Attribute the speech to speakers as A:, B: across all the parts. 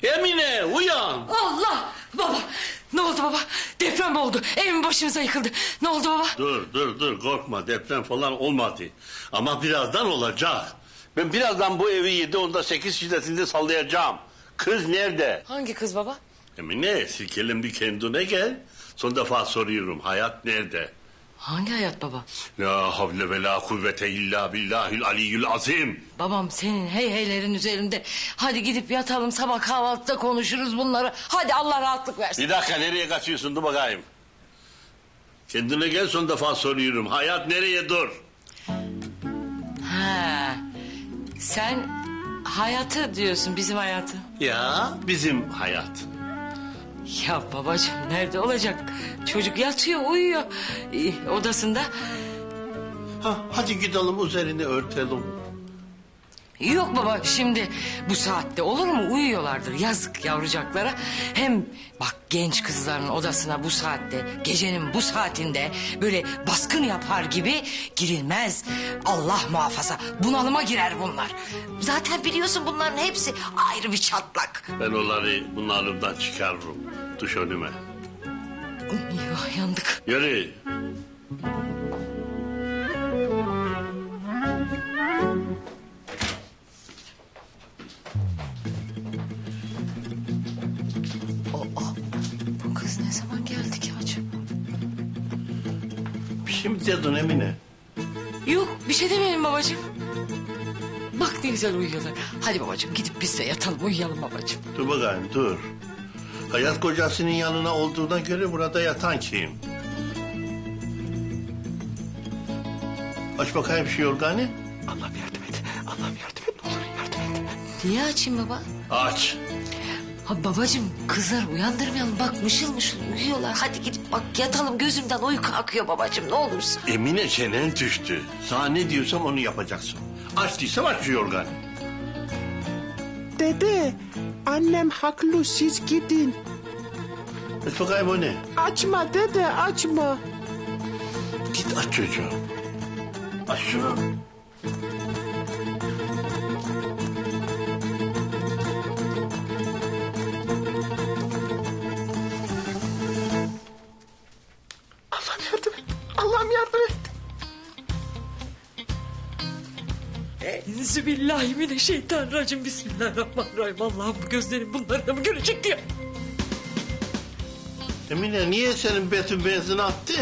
A: Emine uyan.
B: Allah! Baba! Ne oldu baba? Deprem mi oldu? Evim başımıza yıkıldı. Ne oldu baba?
A: Dur korkma, deprem falan olmadı. Ama birazdan olacak. Ben birazdan bu evi 7-8 şiddetinde sallayacağım. Kız nerede?
B: Hangi kız baba?
A: Emine silkelim bir kendine gel. Son defa soruyorum, hayat nerede?
B: Hangi hayat baba?
A: La havle ve la kuvvete illa billahil aliyyül azim.
B: Babam senin heyheylerin üzerinde. Hadi gidip yatalım, sabah kahvaltıda konuşuruz bunları. Hadi Allah rahatlık versin.
A: Bir dakika, nereye kaçıyorsun, dur bakayım. Kendine gel, son defa soruyorum. Hayat nereye, dur.
B: Ha, sen hayatı diyorsun, bizim hayatı.
A: Ya bizim hayat.
B: Ya babacığım nerede olacak? Çocuk yatıyor, uyuyor odasında.
A: Hadi gidelim üzerine örtelim.
B: Yok baba, şimdi bu saatte olur mu? Uyuyorlardır, yazık yavrucaklara. Hem bak, genç kızların odasına bu saatte, gecenin bu saatinde böyle baskın yapar gibi girilmez. Allah muhafaza, bunalıma girer bunlar. Zaten biliyorsun bunların hepsi ayrı bir çatlak.
A: Ben onları bunlardan çıkarırım. Düş önüme.
B: Eyvah, yandık.
A: Yürü.
B: Bu kız ne zaman geldi ki acaba?
A: Bir şey mi dedin Emine?
B: Yok, bir şey demeyelim babacığım. Bak ne güzel uyuyorlar. Hadi babacığım, gidip biz de yatalım, uyuyalım babacığım.
A: Dur bakayım, dur. Hayat kocasının yanına olduğuna göre burada yatan kim? Aç bakayım şu yorganı.
C: Allah'ım yardım et. Allah'ım yardım et. Ne olur yardım et.
B: Niye açayım baba?
A: Aç.
B: Ha babacığım, kızlar uyandırmayalım. Bak mışıl mışıl uyuyorlar. Hadi gidip bak yatalım, gözümden uyku akıyor babacığım, ne olursun.
A: Emine çenen düştü. Sana ne diyorsam onu yapacaksın. Aç değilsem aç şu yorganı.
C: Dede, annem haklı, siz gidin.
A: Aç bakayım o ne?
C: Açma dede, açma.
A: Git aç çocuğum. Aç şunu.
C: Allah'ım yardım et. Allah'ım yardım et.
B: Enzübillahimineşşeytanirracim. Bismillahirrahmanirrahim. Allah'ım, bu gözlerim bunları da mı görecek diye.
A: Emine niye senin betin benzin attı?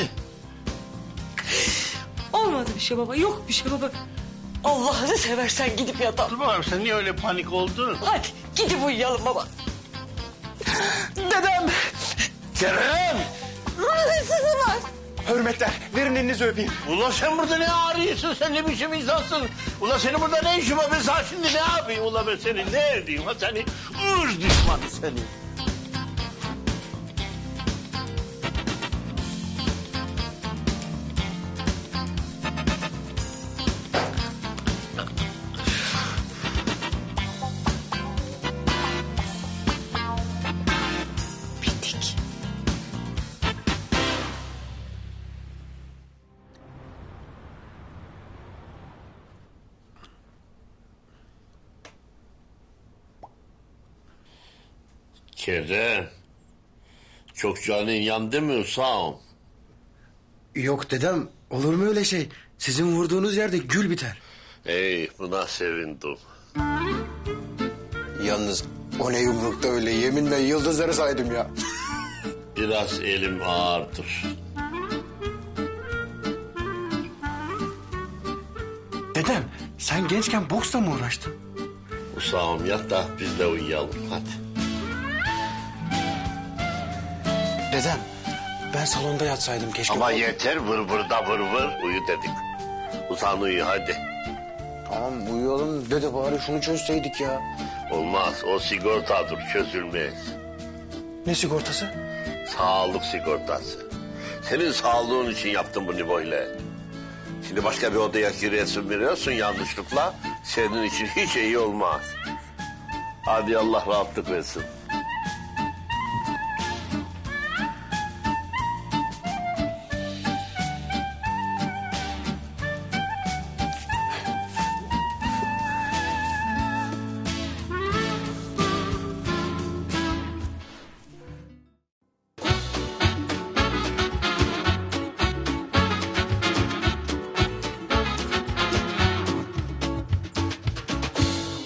B: Olmadı bir şey baba, yok bir şey baba. Allah'ını seversen gidip yatalım.
A: Dur bakayım, sen niye öyle panik oldun?
B: Hadi gidip uyuyalım baba.
C: Dedem.
A: Kerem!
B: Sızı var.
C: Hürmetler, verin elinizi öpeyim.
A: Ulan sen burada ne arıyorsun? Sen ne biçim insansın? Ulan senin burada ne işin var? Ben sana şimdi ne yapayım? Ulan ben seni ne edeyim? Ha seni ırz düşmanı seni.
B: Bittik.
A: Kerem. Çok canın yandı mı Usam?
D: Yok dedem, olur mu öyle şey? Sizin vurduğunuz yerde gül biter.
A: Buna sevindim.
D: Yalnız o ne yumrukta öyle, yeminle yıldızları saydım ya.
A: Biraz elim ağırdır.
D: Dedem, sen gençken boksla mı uğraştın?
A: Usam yat da biz de uyuyalım hadi.
D: Dedem, ben salonda yatsaydım keşke.
A: Ama yeter vır vır da vır vır uyu dedik. Usam uyu hadi.
D: Tamam uyuyalım dede, bari şunu çözseydik ya.
A: Olmaz, o sigortadır, çözülmez.
D: Ne sigortası?
A: Sağlık sigortası. Senin sağlığın için yaptım bunu böyle. Şimdi başka bir odaya giriyorsun veriyorsun yanlışlıkla. Senin için hiç iyi olmaz. Hadi Allah rahatlık versin.